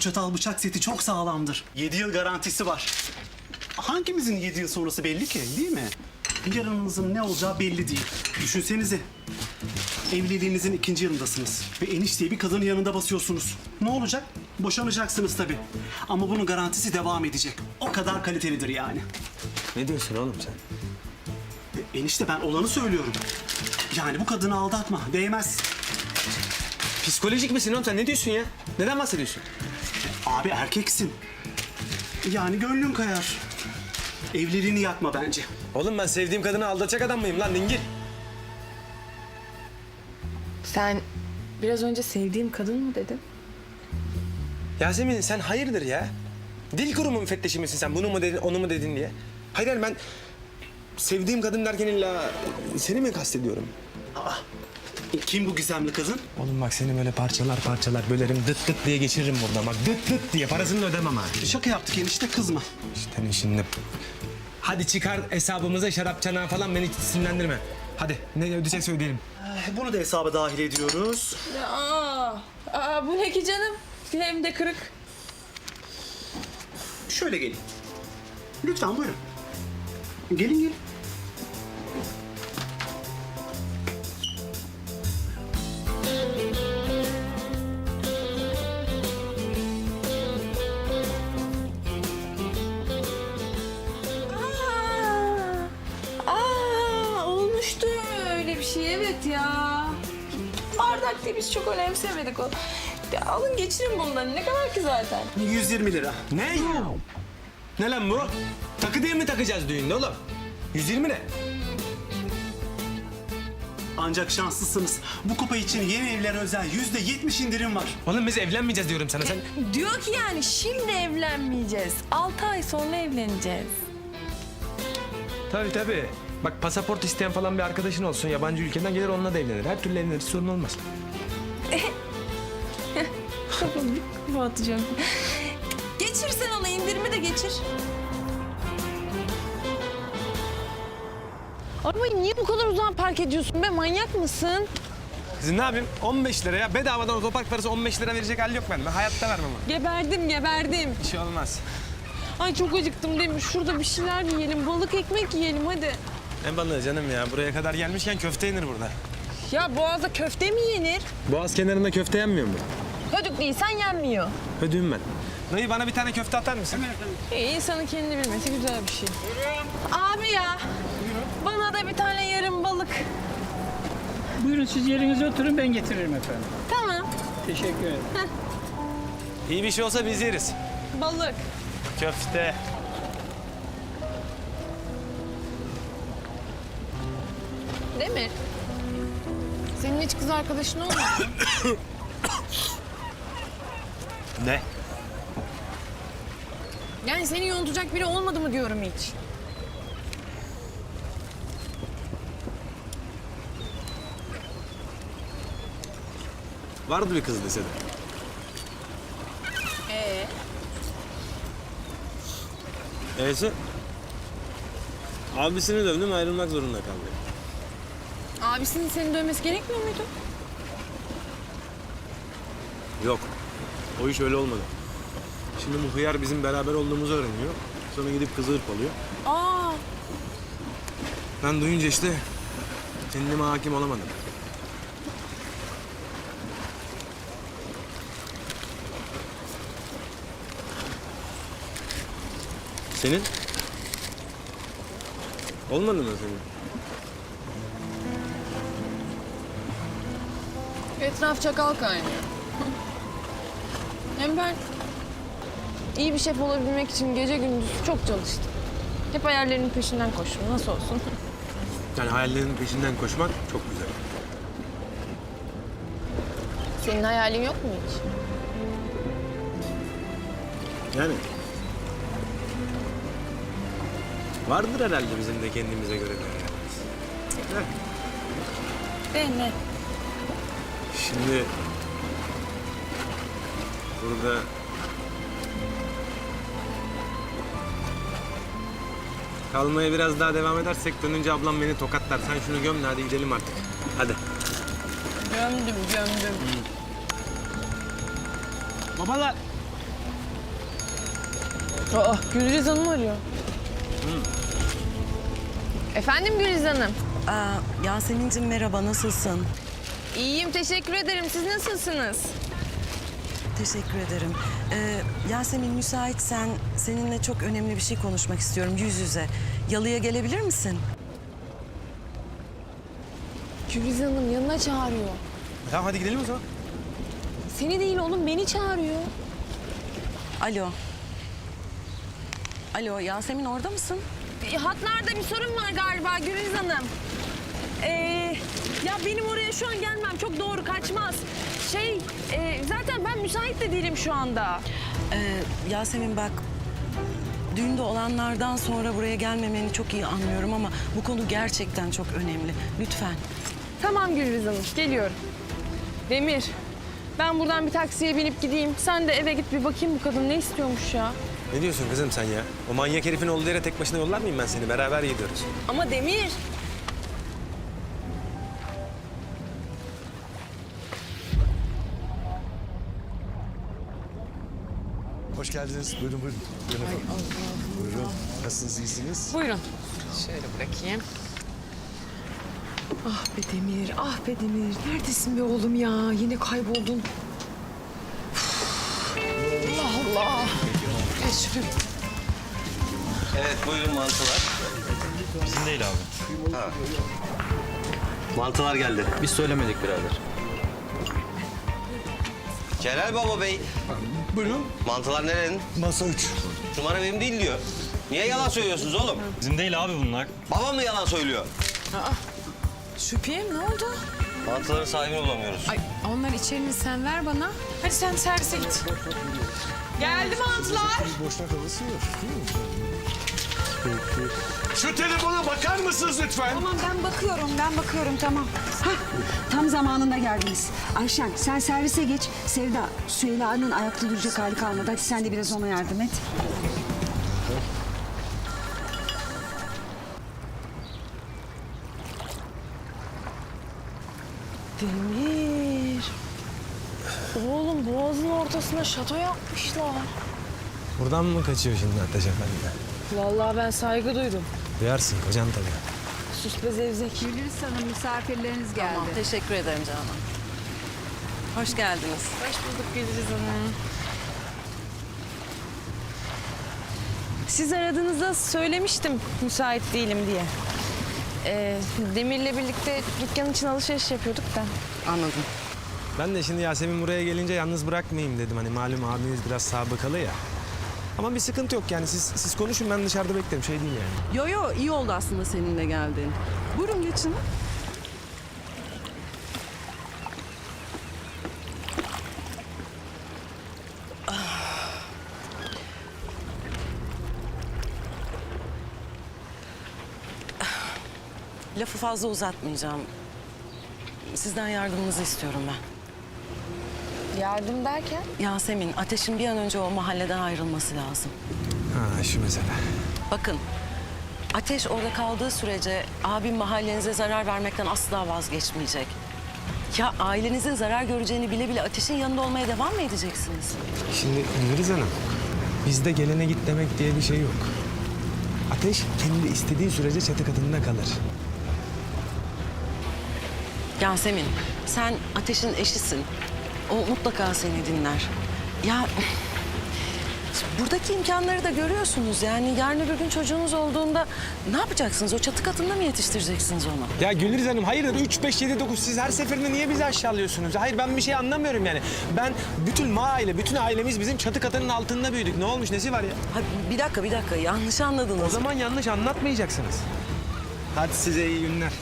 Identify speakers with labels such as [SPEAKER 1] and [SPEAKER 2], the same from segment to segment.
[SPEAKER 1] çatal bıçak seti çok sağlamdır. 7 yıl garantisi var. Hangimizin 7 yıl sonrası belli ki, değil mi? Yarınınızın ne olacağı belli değil. Düşünsenize. Evliliğinizin 2. yılındasınız ve enişteyi bir kadının yanında basıyorsunuz. Ne olacak? Boşanacaksınız tabii. Ama bunun garantisi devam edecek. O kadar kalitelidir yani.
[SPEAKER 2] Ne diyorsun oğlum sen?
[SPEAKER 1] Enişte ben olanı söylüyorum. Yani bu kadını aldatma, değmez.
[SPEAKER 2] Psikolojik misin oğlum sen? Ne diyorsun ya? Neden bahsediyorsun?
[SPEAKER 1] Abi erkeksin. Yani gönlün kayar. Evliliğini yakma bence.
[SPEAKER 2] Oğlum ben sevdiğim kadını aldatacak adam mıyım lan dingil?
[SPEAKER 3] Sen biraz önce sevdiğim kadın mı dedin?
[SPEAKER 2] Yasemin sen hayırdır ya? Dil kurumu müfettişi misin sen? Bunu mu dedin, onu mu dedin diye? Hayır ben sevdiğim kadın derken illa seni mi kastediyorum?
[SPEAKER 1] Kim bu gizemli kadın?
[SPEAKER 2] Oğlum bak seni böyle parçalar bölerim dıt dıt diye geçiririm buradan bak dıt dıt diye parasını da ödemem ha.
[SPEAKER 1] Şaka yaptık enişte, kızma.
[SPEAKER 2] İşte şimdi. Hadi çıkar hesabımıza şarap çanağı falan beni hiç sinirlendirme. Hadi ne ödeyecekse ödeyelim.
[SPEAKER 1] Bunu da hesaba dahil ediyoruz.
[SPEAKER 3] Bu ne ki canım? Hem de kırık.
[SPEAKER 1] Şöyle gelin. Lütfen buyurun. Gelin gelin.
[SPEAKER 3] Olmuştu öyle bir şey, evet ya. Bardak diye biz çok önemsemedik o. Ya alın geçirin bundan, ne kadar ki zaten.
[SPEAKER 1] 120 lira.
[SPEAKER 2] Ne? Ne lan bu? Takı diye mi takacağız düğünde oğlum? 120 ne?
[SPEAKER 1] Ancak şanslısınız. Bu kupa için yeni evlere özel %70 indirim var.
[SPEAKER 2] Oğlum biz evlenmeyeceğiz diyorum sana sen.
[SPEAKER 3] Diyor ki yani şimdi evlenmeyeceğiz. 6 ay sonra evleneceğiz.
[SPEAKER 2] Tabii. Bak pasaport isteyen falan bir arkadaşın olsun. Yabancı ülkeden gelir onunla da evlenir. Her türlü evlenir sorun olmaz.
[SPEAKER 3] Bu atacağım. Geçir sen ona, indirimi de geçir. Arabayı niye bu kadar uzağa park ediyorsun be? Manyak mısın?
[SPEAKER 2] Kızım ne yapayım? 15 lira ya. Bedavadan otopark parası 15 lira verecek hal yok bende. Ben hayatta vermem onu.
[SPEAKER 3] Geberdim.
[SPEAKER 2] Bir şey olmaz.
[SPEAKER 3] Ay çok acıktım değil mi? Şurada bir şeyler yiyelim. Balık ekmek yiyelim hadi.
[SPEAKER 2] Ne balığı canım ya. Buraya kadar gelmişken köfte yenir burada.
[SPEAKER 3] Ya boğazda köfte mi yenir?
[SPEAKER 2] Boğaz kenarında köfte yenmiyor mu?
[SPEAKER 3] Hödük değilsen yenmiyor.
[SPEAKER 2] Ödüğüm ben. Dayı bana bir tane köfte atar mısın?
[SPEAKER 3] İnsanın kendini bilmesi güzel bir şey. Abi ya. Bana da bir tane yarım balık.
[SPEAKER 4] Buyurun siz yerinize oturun ben getiririm efendim.
[SPEAKER 3] Tamam.
[SPEAKER 4] Teşekkür ederim.
[SPEAKER 2] İyi bir şey olsa biz yeriz.
[SPEAKER 3] Balık.
[SPEAKER 2] Köfte.
[SPEAKER 3] Demir. Senin hiç kız arkadaşın olmadı mı?
[SPEAKER 2] Ne?
[SPEAKER 3] Yani seni yontacak biri olmadı mı diyorum hiç.
[SPEAKER 2] Vardı bir kız lisede. Neyse. Abisini dövdüm ayrılmak zorunda kaldı.
[SPEAKER 3] Abisinin seni dövmesi gerekmiyor muydu?
[SPEAKER 2] Yok. O iş öyle olmadı. Şimdi bu hıyar bizim beraber olduğumuzu öğreniyor. Sonra gidip kızı hırpalıyor.
[SPEAKER 3] Aa,
[SPEAKER 2] Ben duyunca işte kendime hakim olamadım. Senin? Olmadı mı senin?
[SPEAKER 3] etraf çakal kaynıyor. Hem ben iyi bir şef olabilmek için gece gündüz çok çalıştım. Hep hayallerimin peşinden koştum. Nasıl olsun?
[SPEAKER 2] Yani hayallerinin peşinden koşmak çok güzel.
[SPEAKER 3] Senin hayalin yok mu hiç?
[SPEAKER 2] Yani vardır herhalde bizim de kendimize göre bir hayalimiz.
[SPEAKER 3] De ne?
[SPEAKER 2] Şimdi burada kalmaya biraz daha devam edersek dönünce ablam beni tokatlar. Sen şunu göm de hadi gidelim artık. Hadi.
[SPEAKER 3] Gömdüm.
[SPEAKER 2] Babalar
[SPEAKER 3] Aa, Gülriz Hanım arıyor. Efendim Gülriz Hanım?
[SPEAKER 5] Yasemin'cim merhaba, nasılsın?
[SPEAKER 3] İyiyim, teşekkür ederim. Siz nasılsınız?
[SPEAKER 5] Teşekkür ederim. Yasemin müsaitsen seninle çok önemli bir şey konuşmak istiyorum yüz yüze. Yalıya gelebilir misin?
[SPEAKER 3] Gülriz Hanım yanına çağırıyor.
[SPEAKER 2] Tamam hadi gidelim o zaman.
[SPEAKER 3] Seni değil oğlum, beni çağırıyor.
[SPEAKER 5] Alo. Alo, Yasemin orada mısın?
[SPEAKER 3] Hatlarda bir sorun var galiba Gülriz Hanım. Ya benim oraya şu an gelmem çok doğru kaçmaz. Zaten ben müsait de değilim şu anda.
[SPEAKER 5] Yasemin bak, düğünde olanlardan sonra buraya gelmemeni çok iyi anlıyorum ama bu konu gerçekten çok önemli. Lütfen.
[SPEAKER 3] Tamam Gülriz Hanım, geliyorum. Demir, ben buradan bir taksiye binip gideyim. Sen de eve git bir bakayım bu kadın ne istiyormuş ya.
[SPEAKER 2] Ne diyorsun kızım sen ya? O manyak herifin olduğu yere tek başına yollar mıyım ben seni? Beraber gidiyoruz.
[SPEAKER 3] Ama Demir.
[SPEAKER 6] Hoş geldiniz. Buyurun buyurun. Buyurun efendim. Buyurun. Nasılsınız, iyisiniz?
[SPEAKER 3] Buyurun. Şöyle bırakayım. Ah be Demir, ah be Demir. Neredesin be oğlum ya? Yine kayboldun. Allah Allah. Geç şuraya.
[SPEAKER 7] Evet, buyurun mantılar.
[SPEAKER 8] Bizim değil abi.
[SPEAKER 7] Mantılar geldi.
[SPEAKER 8] Biz söylemedik birader.
[SPEAKER 7] Celal Baba Bey,
[SPEAKER 6] Buyurun.
[SPEAKER 7] mantılar nerenin?
[SPEAKER 6] Masa 3.
[SPEAKER 7] Numara benim değil diyor. Niye yalan söylüyorsunuz oğlum?
[SPEAKER 8] Bizim değil abi bunlar.
[SPEAKER 7] Babam mı yalan söylüyor?
[SPEAKER 3] Şüpheyim ne oldu?
[SPEAKER 7] Mantıların sahibini bulamıyoruz.
[SPEAKER 3] Ay onlar içerini sen ver bana. Hadi sen servise git. Geldi mantılar.
[SPEAKER 6] Boşnak havası yok. Değil mi? Peki. Şu telefona bakar mısınız lütfen?
[SPEAKER 9] Tamam ben bakıyorum tamam. Hah, tam zamanında geldiniz. Ayşen sen servise geç. Sevda, Süheyla'nın ayakta duracak hali kalmadı. Hadi sen de biraz ona yardım et.
[SPEAKER 3] Demir. Oğlum boğazın ortasına şato yapmışlar.
[SPEAKER 2] Buradan mı kaçıyor şimdi Ateş Efendi?
[SPEAKER 3] Vallahi ben saygı duydum.
[SPEAKER 2] Duyarsın kocan tabii.
[SPEAKER 3] Sus be zevzek.
[SPEAKER 9] Gülriz Hanım misafirleriniz geldi.
[SPEAKER 5] Tamam, teşekkür ederim canım. Hoş geldiniz.
[SPEAKER 3] Hoş bulduk Gülriz Hanım. Siz aradığınızda söylemiştim müsait değilim diye. Demir'le birlikte dükkan için alışveriş yapıyorduk da.
[SPEAKER 5] Anladım.
[SPEAKER 2] Ben de şimdi Yasemin buraya gelince yalnız bırakmayayım dedim. Hani malum abiniz biraz sabıkalı ya. Ama bir sıkıntı yok yani siz konuşun ben dışarıda beklerim şey değil yani.
[SPEAKER 5] Yo yo, iyi oldu aslında seninle geldiğin. Buyurun geçin. Lafı fazla uzatmayacağım. Sizden yardımınızı istiyorum ben.
[SPEAKER 3] Yardım derken?
[SPEAKER 5] Yasemin, Ateş'in bir an önce o mahalleden ayrılması lazım.
[SPEAKER 2] Ha şu mesele.
[SPEAKER 5] Bakın, Ateş orada kaldığı sürece abim mahallenize zarar vermekten asla vazgeçmeyecek. Ya ailenizin zarar göreceğini bile bile Ateş'in yanında olmaya devam mı edeceksiniz?
[SPEAKER 2] Şimdi Gülriz Hanım, bizde gelene git demek diye bir şey yok. Ateş kendi istediği sürece çatı katında kalır.
[SPEAKER 5] Yasemin, sen Ateş'in eşisin. O mutlaka seni dinler. Ya buradaki imkanları da görüyorsunuz. Yani yarın öbür gün çocuğunuz olduğunda ne yapacaksınız? O çatı katında mı yetiştireceksiniz onu?
[SPEAKER 2] Ya Gülriz Hanım hayırdır 3, 5, 7, 9 siz her seferinde niye bizi aşağılıyorsunuz? Hayır ben bir şey anlamıyorum yani. Ben bütün bütün ailemiz bizim çatı katının altında büyüdük. Ne olmuş nesi var ya?
[SPEAKER 5] Ha, bir dakika. Yanlış anladınız.
[SPEAKER 2] O zaman yanlış anlatmayacaksınız. Hadi size iyi günler.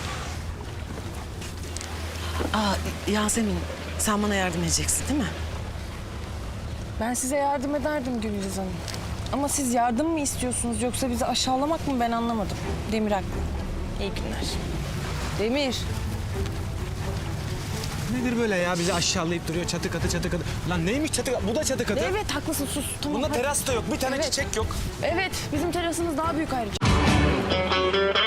[SPEAKER 5] Yasemin, sen bana yardım edeceksin değil mi?
[SPEAKER 3] Ben size yardım ederdim Gülriz Hanım. Ama siz yardım mı istiyorsunuz yoksa bizi aşağılamak mı ben anlamadım. Demir haklı. İyi günler. Demir.
[SPEAKER 2] Nedir böyle ya bizi aşağılayıp duruyor çatı katı. Lan neymiş çatı katı? Bu da çatı katı.
[SPEAKER 3] Evet haklısın sus. Tamam,
[SPEAKER 2] Bunda
[SPEAKER 3] hadi.
[SPEAKER 2] teras da yok. Bir tane
[SPEAKER 3] Evet.
[SPEAKER 2] çiçek yok.
[SPEAKER 3] Evet bizim terasımız daha büyük ayrıca.